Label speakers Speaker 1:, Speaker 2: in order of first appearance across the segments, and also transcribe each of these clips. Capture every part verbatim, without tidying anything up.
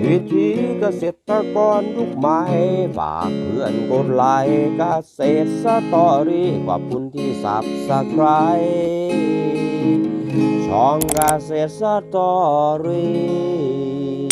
Speaker 1: วิธีเกษตรกรยุคใหม่ฝากเพื่อนกดไลค์เกษตรสตอรี่ขอบคุณที่สับสไครช่องเกษตรสตอรี่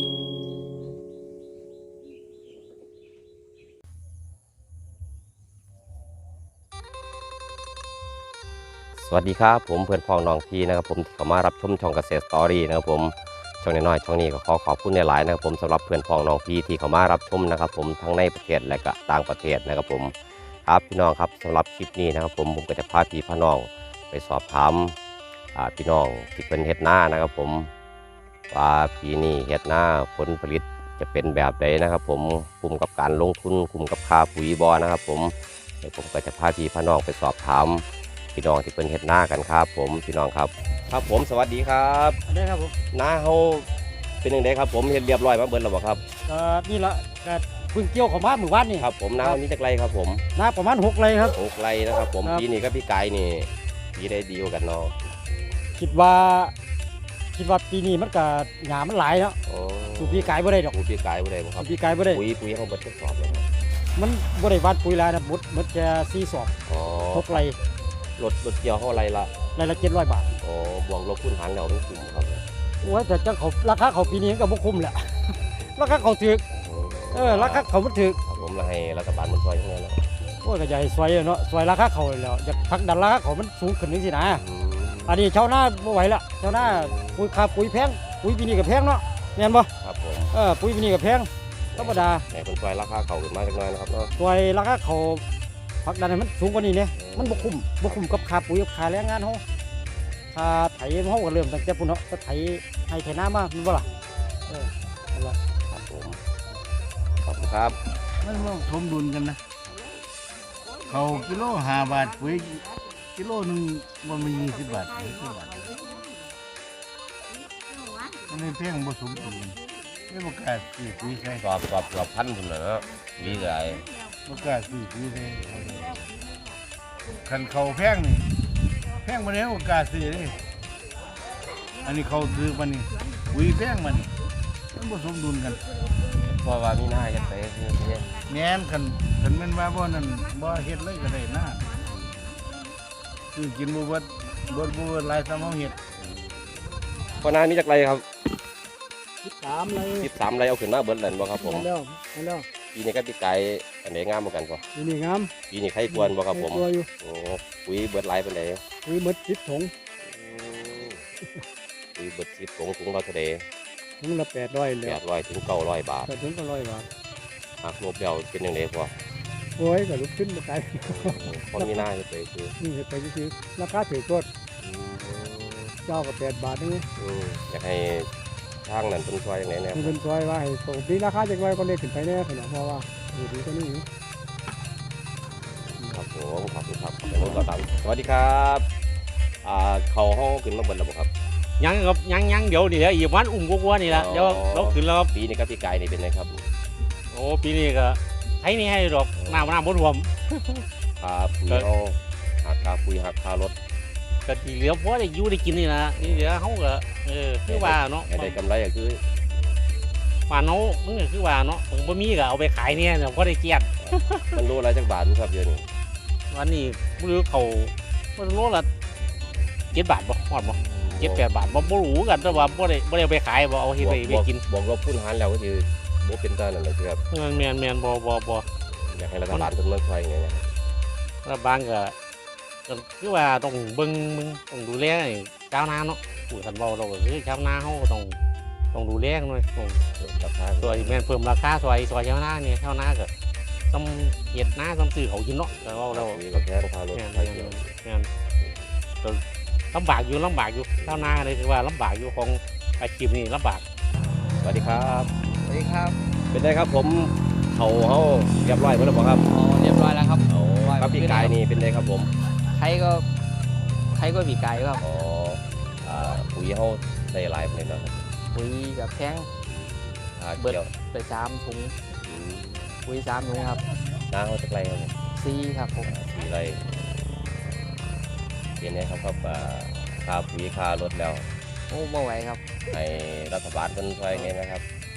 Speaker 1: สวัสดีครับผมเพื่อนพ้องน้องพี่นะครับผมที่เข้ามารับชมช่องเกษตรสตอรี่นะครับผมช่องน้อยๆช่องนี้ก็ขอขอบคุณในหลายนะครับผมสำหรับเพื่อนพ้องน้องพี่ที่เข้ามารับชมนะครับผมทั้งในประเทศและก็ต่างประเทศนะครับผมครับพี่น้องครับสำหรับคลิปนี้นะครับผมผมก็จะพาพี่พี่น้องไปสอบถามพี่น้องที่เป็นเฮ็ดนานะครับผมว่าปีนี้เฮ็ดนาผลผลิตจะเป็นแบบใดนะครับผมคุ้มกับการลงทุนคุ้มกับค่าปุ๋ยบ่นะครับผมเดี๋ยวผมก็จะพาพี่พี่น้องไปสอบถามพี่น้องที่เป็นเฮ็ดนากันครับผมพี่น้องครับครับผมสวัสดีครับ
Speaker 2: อันนี้ครับผม
Speaker 1: นาเฮาเป็นยังไงครับผมเฮ็ดเรียบร้อยมาเบิดแล้วบ่ครับ
Speaker 2: ก็นี่ละก็เพิ่งเกี่ยวของบ้านหมู่บ้านนี่
Speaker 1: ครับผมนานี้จักไรครับผม
Speaker 2: นาประมาณหกไร่ครับ
Speaker 1: หกไร่นะครับผมปีนี้กับพี่ไก่นี่ปีได้ดีกว่ากันเนาะ
Speaker 2: คิดว่าคิดว่าปีนี้มันก็หญ้ามันหลายเนาะสูบปีกายบ่ได้ดอก
Speaker 1: สูบปีกายบ่ได้บ่ครับ
Speaker 2: ปีกายบ่ได้
Speaker 1: ปุ๋ยปุ๋ยเฮาบ่ทดสอบเลยครับ
Speaker 2: มันบ่ได้วัดปุ๋ยหลายนะหมดหมดแค่สี่สอบ
Speaker 1: อ๋อ
Speaker 2: หกไร่
Speaker 1: รถรถเกี่ยวเฮาไรละ
Speaker 2: ไร่ละเจ็ดร้อยบาท
Speaker 1: อ๋อบวกลบคูณหารแล้วมันคุ้มครับ
Speaker 2: โอ้ยแต่จังเขาราคาเขาปีนี้ก็บ่คุ้มแหละราคาเขาถูกเออราคาเขามันถูก
Speaker 1: ครับผมแล้วให้รัฐบาลมันช่วยจังได๋ล่ะ
Speaker 2: โอ้ยก็อยากให้ช่วยเนาะช่วยราคาเขาแล้วอยากผลักดันราคาเขามันสูงขึ้นจังซี่นะอันนี้ชาวนาบ่ไหวละชาวนาปุ๋ยค่าปุ๋ยแพงปุ๋ยปีนี้ก็แพงเนาะแม่นบ่
Speaker 1: ครับผม
Speaker 2: เออปุ๋ยปีนี้ก็แพงธรรมดา
Speaker 1: ให้เพิ่นช่วยราคาเขาขึ้นมาจักหน่อยนะครับเนาะ
Speaker 2: ช่วยราคาเขาผลักดันให้มันสูงกว่านี้เนี่ยมันบ่คุ้มบ่คุ้มกับค่าปุ๋ยกับค่าแรงงานเฮาค่าไถเฮาก็เริ่มตั้งแต่พุ่นเนาะก็ไถให้ไถนามาแม่นบ่ล่ะเออนั่นล่ะ
Speaker 1: ครับผมขอบคุณครับ
Speaker 3: มันต้องสมดุลกันนะเขากิโลห้าบาทปุ๋ยกิโลหนึ่งมันมียี่สิบบาทยี่สิบบาทมันเลยเพียงผสมดุลไม่ประกาศสี่ปุ๋ยใช่
Speaker 1: สอบสอบสอบพันพุ่นน่ะเนาะมีหลาย
Speaker 3: ประกาศสี่ปุ๋ยใช่คันเขาแพงนี่แพงมาแล้วประกาศสี่เลยอันนี้เขาซื้อมันนี่ปุ๋ยแพงมันมันผสมดุลกัน
Speaker 1: เพราะว่ามีหน้าเฮ็ดไปคือ
Speaker 3: แง่นคันคันแม่นว่าบ่นั่นบ่เฮ็ดเลยก็ได้หน้าคือกินบ่เบิดบ่บ่หลายซ้ำเฮาเฮ็ด
Speaker 1: พอนามีจักไรครับ
Speaker 2: สิบสามไร่
Speaker 1: สิบสามไรเอาขึ้นมาเบิดแล้วบ่ครับผม
Speaker 2: แล้วแล้ว
Speaker 1: ปีนี้ก็ปีไก่อันไหนงามเหมือนกันบ่
Speaker 2: ปีนี้งาม
Speaker 1: ปีนี้ใครควรบ่ครับผมโอ้ปุ๋ยเบิดหลายปานใด
Speaker 2: ปุ๋ยเบิดสิบถุง
Speaker 1: ปุ๋ยเบิดสิบถุงถุงละเท่าใด
Speaker 2: ถุงละแปดร้อยแล้ว
Speaker 1: แปดร้อยถึงเก้าร้อยบาท
Speaker 2: ถึงเก้าร้อยบาท
Speaker 1: หักลบแล้วเป็นจังได๋พ่อ
Speaker 2: โอ้ยก็ลุกขึ้นบ่ไกล
Speaker 1: พอมีหน้าเฮ็ดไปคือ
Speaker 2: นี่เฮ็ดไปคือราคาถูกกดเจ้าก็แปดบาทนึง
Speaker 1: อืออยากให้ทางนั้นเพิ่นช่วยจังได๋แน่
Speaker 2: เพิ่นช่วยว่าให้ปกติราคาจักไว้ก็เลยขึ้นไปแน่ขนาดเพราะว่าอยู่ดีก็นี่
Speaker 1: ครับผมขอบคุณครับผมก็ตามสวัสดีครับอ่าเขาเฮาขึ้นมาเบิดแล้วบ่ครับ
Speaker 4: ยังครับยังยังเดี๋ยวนี่แหละอีกวันอุ้มกว่าๆนี่แหละเดี๋ยวเราขึ้นแล้วครับ
Speaker 1: ปีนี้กับพี่ไก่นี่เป็นไงครับ
Speaker 4: โอ้ปีนี้ก็ให้นี่ให้ดอกน้ำน้ำบนหัว
Speaker 1: ครับปุ๋ยเฮาหักค่าปุ๋ยหักค่ารถ
Speaker 4: ก็ที่เหลือพอได้อยู่ได้กินนี่นะนี่เหลือเฮาก็เออคือว่าเนาะ
Speaker 1: ได้กำไรก็คือ
Speaker 4: ป่านเฮามันก็คือว่าเนาะมันบ่มีก็เอาไปขายเนี่ยพอได้เกียรติ
Speaker 1: มันโลละจักบาทครับเดี๋ยวนี้
Speaker 4: วันนี้บ่รู้เขามันโลละเจ็ดบาทบ่ฮอดบ่เจ็ดแปดบาทบ่บ่รู้กันแต่ว่าบ่ได้บ่ได้ไปขายบ่เอาเฮ็ดไปไปกิน
Speaker 1: บอกลบคูณหารแล้วก็คือบ่เป็นตานั่นแหละครับ
Speaker 4: แม่นแม่นบ่บ่บ่
Speaker 1: อยากให้รัฐบาลเพิ่นมาช่วยไงนะ
Speaker 4: รัฐบาลก็ก็คือว่าต้องเบิ่งมึงต้องดูแลชาวนาเนาะผู้คันเว้าเราก็คือชาวนาเฮาก็ต้องต้องดูแลกันหน่อยต้อง
Speaker 1: ราคา
Speaker 4: ช่วยแม่นเพิ่มราคาช่วยช่วยชาวนานี่ชาวนาก็ต้องเฮ็ดนาต้องซื้อเขากินเนาะก็เว้าเรา
Speaker 1: ก็แพงค่ารถ
Speaker 4: แม่นแม่นลำบากอยู่ลำบากอยู่ชาวนาเลยคือว่าลำบากอยู่ของอาชีพนี้ลำบาก
Speaker 1: สวัสดีครับ
Speaker 5: สวัสดีครับ
Speaker 1: เป็นไงครับผมเขาเฮาเรียบร้อยหมดแล้วบ่ครับ
Speaker 5: อ๋อเรียบร้อยแล้วครับ
Speaker 1: โอ้กับพี่ไก่นี่เป็นไงครับผม
Speaker 5: ไทยก็ไทยก็พี่ไก่ครับ
Speaker 1: อ๋ออ่าปุ๋ยเฮาได้หลายปานใดเนาะ
Speaker 5: ปุ๋ยกับแพง
Speaker 1: อ่าเกี่ยว
Speaker 5: ไปสามถุงปุ๋ยสามถุงครับ
Speaker 1: น้าเฮาจักไรครับ
Speaker 5: สี่ครับผม
Speaker 1: สี่ไรเป็นไงครับครับค่าปุ๋ยค่ารถแล้ว
Speaker 5: โอ้บ่ไหวครับ
Speaker 1: ให้รัฐบาลเพิ่นช่วยไงนะครับ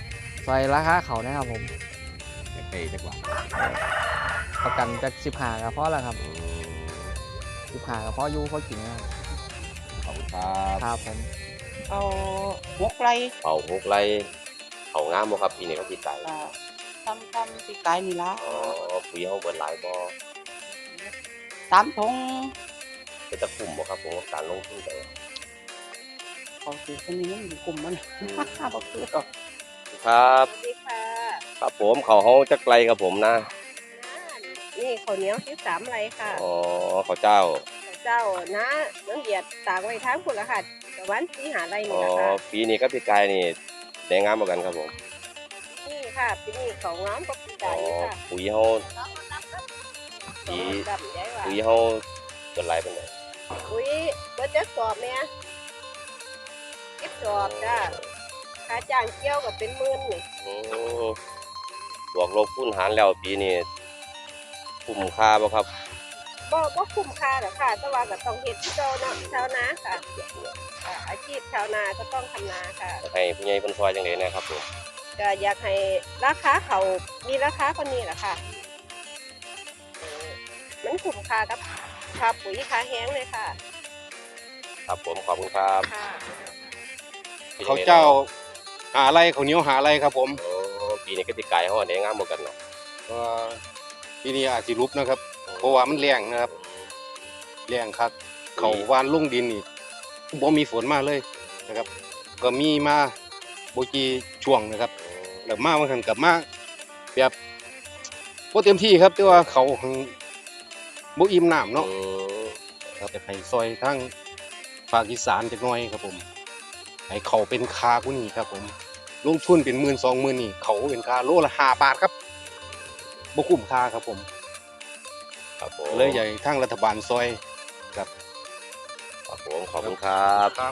Speaker 5: ซอยราคาเขานะครับผม
Speaker 1: อยากได้จักบาท
Speaker 5: ประกันจากสิบห้าก็พอแล้วครับสิบห้าก็พออยู่พอกินครับ
Speaker 1: ขอบคุณครับ
Speaker 5: ครับผม
Speaker 6: เอาหกไร
Speaker 1: เป่าหกไรเขางามบ่ครับปีนี้เขาติดใจ
Speaker 6: อ่าทำทำปีกายนี่ละ
Speaker 1: อ๋อปุ๋ยเขาเบิดหลายบ่
Speaker 6: สามทง
Speaker 1: เป็นตะคุ่มบ่ครับผมกับการลงทุนไป
Speaker 6: เขาถือคนนี้มันอยู่กลุ่มมันห้าบอกคือก่อน
Speaker 1: ครับ
Speaker 7: สวัสดีค่ะ
Speaker 1: ครับผมเขาเฮาจักไรครับผมนะ
Speaker 7: นี่ข้าวเหนียวที่สามไรค่ะ
Speaker 1: อ๋อเขาเจ้า
Speaker 7: เจ้านะน้องเหยียดตากไว้ทั้งคุณละค่ะตะวันสีหาไร
Speaker 1: อ๋
Speaker 7: นี่
Speaker 1: อ
Speaker 7: ละค่ะ
Speaker 1: ปีนี้กับพี่กายนี่ได้งามเหมือนกันครับผม
Speaker 7: นี่ค่ะปีนี้เขาง้อมกับปี
Speaker 1: อ๋
Speaker 7: กา
Speaker 1: อย
Speaker 7: ค่ะ
Speaker 1: ปุ๋ยเฮา ปี
Speaker 7: ดำใหญ่ว่า
Speaker 1: ปุ๋ยเฮาเบิดหลายปานใด
Speaker 7: อุ้ยเบิดจะสอบเนี่ยคิดสอบจ้าค่าจ้างเกี่ยวกับเป็นหมื่นนี่
Speaker 1: อืมบวกลบคูณหารแล้วปีนี้คุ้มค่าบ่ครับ
Speaker 7: บ่บ่คุ้มค่าหรอกค่ะแต่ว่าก็ต้องเฮ็ดที่เจ้าเนาะชาวนาค่ะอ่าอาชีพชาวนาก็ต้องทำนาค่ะ
Speaker 1: ให้ผู้ใหญ่เพิ่นซอยจังได๋นะครับผม
Speaker 7: ก็อยากให้ราคาเขามีราคาคนนี้แหละค่ะเออมันคุ้มค่ากับค่าปุ๋ยค่าแห้งเลยค่ะ
Speaker 1: ครับผมขอบคุณครับ
Speaker 7: ค่ะ
Speaker 8: เขาเจ้าหาอะไรเขาวเหนียวหาอะไรครับผม
Speaker 1: โอ้ปีนี้ก็สิกายเฮาได้งามเหมือนกันเนาะ
Speaker 8: ก็ทีนี้อาจสิรุบนะครับ เพราะว่ามันแรงนะครับแรงครับเขาวานลงดินนี่บ่มีฝนมาเลยนะครับ ก็มีมาบ่กี่ช่วงนะครับแล้วมาบางครั้งกลับมาแบบบ่เต็มที่ครับแต่ว่าเขาหั้นบ่อิ่มน้ำเนาะ
Speaker 1: อืม
Speaker 8: ครับจะให้ซอยทางภาคอีสานจักหน่อยครับผมให้เขาเป็นคาผู้นี้ครับผมลงทุนเป็นหมื่นสองหมื่นนี่เขาเป็นคาโลละห้าบาทครับบ่คุ้มค่าครับผม
Speaker 1: ครับผม
Speaker 8: เลยอยากให้ทางรัฐบาลซอยครับ
Speaker 1: ครับผมขอบคุณครับ
Speaker 8: ครับ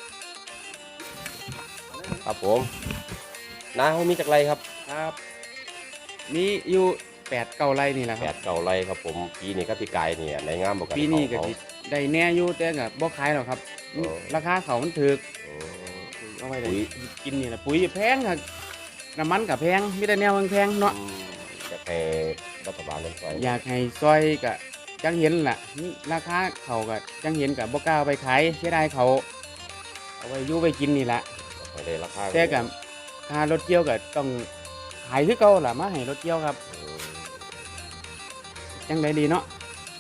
Speaker 1: ครับผมนาเฮามีจักไรครับ
Speaker 9: ครับ มีอยู่แปดเก้าไร่นี่แหละค
Speaker 1: แป
Speaker 9: รับ
Speaker 1: ดเก่าไรครับผมปีนี้ก็พี่กายเนี่ยในงามบ่กัน
Speaker 9: ปีนี้ก็
Speaker 1: เขา
Speaker 9: สิได้แน่อยู่แต่ก็บ่ขายหรอกครับ
Speaker 1: อ๋อ
Speaker 9: ราคาเขามันถูก
Speaker 1: โอ้
Speaker 9: เอาไว้ได้
Speaker 1: ปุ๋ย
Speaker 9: กินนี่แหละปุ๋ยแพงครับน้ำมันก็แพงมีแต่แนวแพงๆเนาะ
Speaker 1: อืมอยากให้รัฐบาลลงซอย
Speaker 9: อยากให้ซอยก็จังเห็นล่ะนี่ราคาเขาก็จังเห็นก็บ่กล้าเอาไปขายเสียดายเขาเอาไว้อยู่ไว้กินนี่แหละ
Speaker 1: ให้ได้ราคา
Speaker 9: แต่ก็ค่ารถเกี่ยวก็ต้องขายคือเก่าล่ะมาให้รถเกี่ยวครับ
Speaker 1: อืม
Speaker 9: จังไดดีเนาะ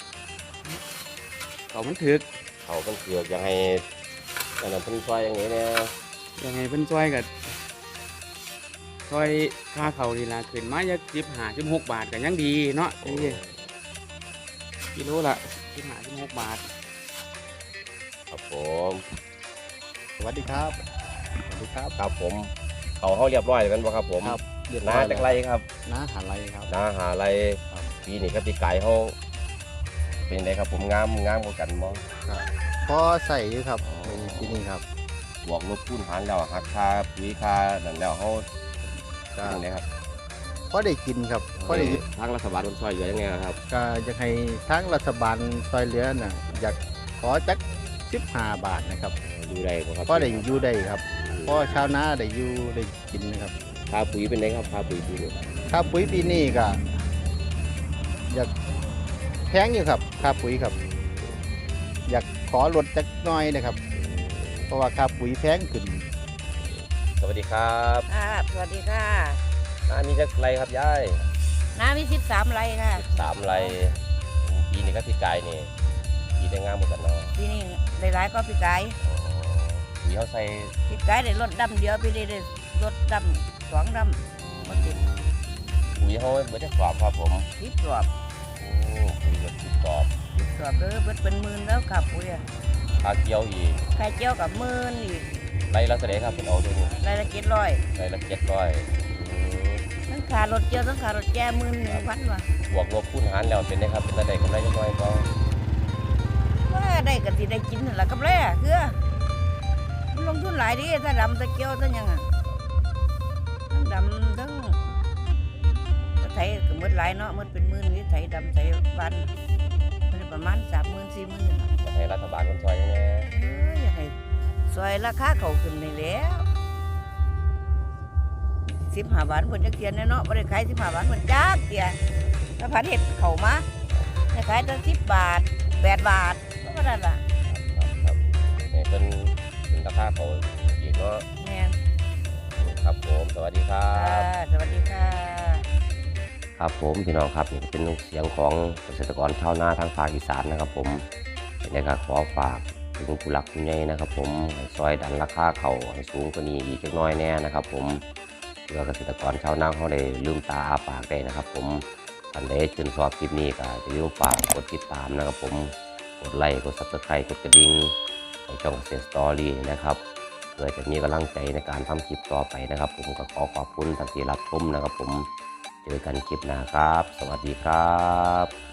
Speaker 9: เขามันถูก
Speaker 1: เขาเพิ่นเกือกอยากให้อันนั้นเพิ่นซอยอย่างนี้เนี่ย
Speaker 9: ยังไงเพิ่นช่วยกับช่วยค่าเขาดีละขึ้นมาจะสิบห้าสิบหกบาทก็ยังดีเนาะจังซี่กิโลละสิบห้าสิบหกบาท
Speaker 1: ครับผม
Speaker 5: สวัสดีครับสวัสดีครับ
Speaker 1: ครับผมเขาเฮาเรียบร้อยแล้วแม่นบ่ครับผม
Speaker 5: ครับเรียบร้
Speaker 1: นา
Speaker 5: อย
Speaker 1: จักไรครับ
Speaker 5: น้าหาไรครับ
Speaker 1: นาหาไรปีนี้ก็พี่กายเฮาเป็นไงครับผมงามงามกว่ากันบ่
Speaker 5: พอใส่อยู่ครับในที่นี่ครับ
Speaker 1: บวกลบคูณหารแล้วหักค่าปุ๋ยค่านั่นแล้วเฮา
Speaker 5: ก็
Speaker 1: จังไดครับ
Speaker 5: พอได้กินครับพอได้
Speaker 1: ทางรัฐบาลมันช่วยเหลือยังไงครับ
Speaker 5: ก็อยากให้ทางรัฐบาลซอยเหลือน่ะอยากขอจักสิบห้าบาทนะครับ
Speaker 1: ดูได้บ่ครับ
Speaker 5: พอได้อยู่ได้ครับพอชาวนาได้อยู่ได้กินนะครับ
Speaker 1: ค่าปุ๋ยเป็นไงครับค่าปุ๋ยปีนี้
Speaker 5: ค่าปุ๋ยปีนี้ก็อยากแพงอยู่ครับค่าปุ๋ยครับ อยากขอลดจักหน้อยนะครับ เพราะว่าค่าปุ๋ยแพงขึ้น
Speaker 1: สวัสดีครับ
Speaker 7: ค่ะสวัสดีค่ะ
Speaker 1: นามีจักไรครับยาย
Speaker 7: น้ำมีสิบสามไรค่ะ
Speaker 1: สามไรปีนี้ก็พี่กายนี่ปีได้งามกว่ากันเนาะ
Speaker 7: ปีนี้ได้หลายก็ปีกาย
Speaker 1: อ๋อปุ๋ยเฮาใส่
Speaker 7: ปีกายได้รถดำเดียวปีนี้ได้รถดำสองดำมาติด
Speaker 1: ปุ๋ยเฮาเบิดจักสอบครับผม
Speaker 7: ทิพย์รอบ
Speaker 1: โอ้ปุ๋ยเบิดสิบสอบ
Speaker 7: ทิพย์รอบเด้อเบิดเป็นหมื่นแล้วค่ะปุ๋ยอะ
Speaker 1: ค่าเกี่ยวอีก
Speaker 7: ไข่เจียวกับหมื่นอีก
Speaker 1: ไรละเท่าไหร่ครับเป็นเอาตัวนี้
Speaker 7: รายละเจ็ดร้อย
Speaker 1: ไรละเจ็ดร้อย
Speaker 7: ทั้งขารถเจียวทั้งขารถแก่หมื่นหนึ่งพันว่ะ
Speaker 1: บวกลบคูณหารแล้วเป็นไงครับเป็นระดับกำไรจักหน่อยก็
Speaker 7: ว่าได้กันสิได้กินนั่นล่ะกับแร่คือมันลงทุนหลายดิถ้าดำถ้าเจียวถ้าหยังอ่ะทั้งดำทั้งถ้าไถก็หมดหลายเนาะหมดเป็นหมื่นนี่ไถดำไถวันมันได้ประมาณสามหมื่นสี่หมื่นนี่ล่ะ
Speaker 1: อยากให้รัฐบาลคนช่วยยังไง
Speaker 7: เอ้ยอยากให้ซอยราคาเขาขึ้นนี่แหล้วสิบห้าบาทเพิ่นจักเทียนเนาะบ่ได้ขายสิบห้าบาทเพิ่นจักเทียถ้าพันเฮ็ดเข้ามาได้ขายแต่สิบบาทแปดบาทก็ว่านั่นล่ะ
Speaker 1: ครับให้เป็นเป็นราคาเขาอีกเนาะ
Speaker 7: แม่น
Speaker 1: ครับผมสวัสดีครั
Speaker 7: ค่ะ
Speaker 1: บ
Speaker 7: สวัสดีค่ะ
Speaker 1: ครับผมพี่น้องครับนี่ก็เป็นเสียงของเกษตรกรชาวนาทางภาคอีสานนะครับผมในการขอฝากถึงผู้หลักผู้ใหญ่นะครับผมให้ซอยดันราคาเขาให้สูงกว่านี้อีกจักหน้อยแน่นะครับผมเพื่อเกษตรกรชาวนาเขาได้ลืมตาอาปากได้นะครับผมท่านใดชื่นชอบคลิปนี้ก็อย่าลืมฝากกดติดตามนะครับผมกดไลค์กดซับสไครต์กดกระดิ่งในช่องเกษตรสตอรี่นะครับเพื่อจะมีกำลังใจในการทำคลิปต่อไปนะครับผมก็ขอขอบคุณท่านที่รับชมนะครับผมเจอกันคลิปหน้าครับ สวัสดีครับ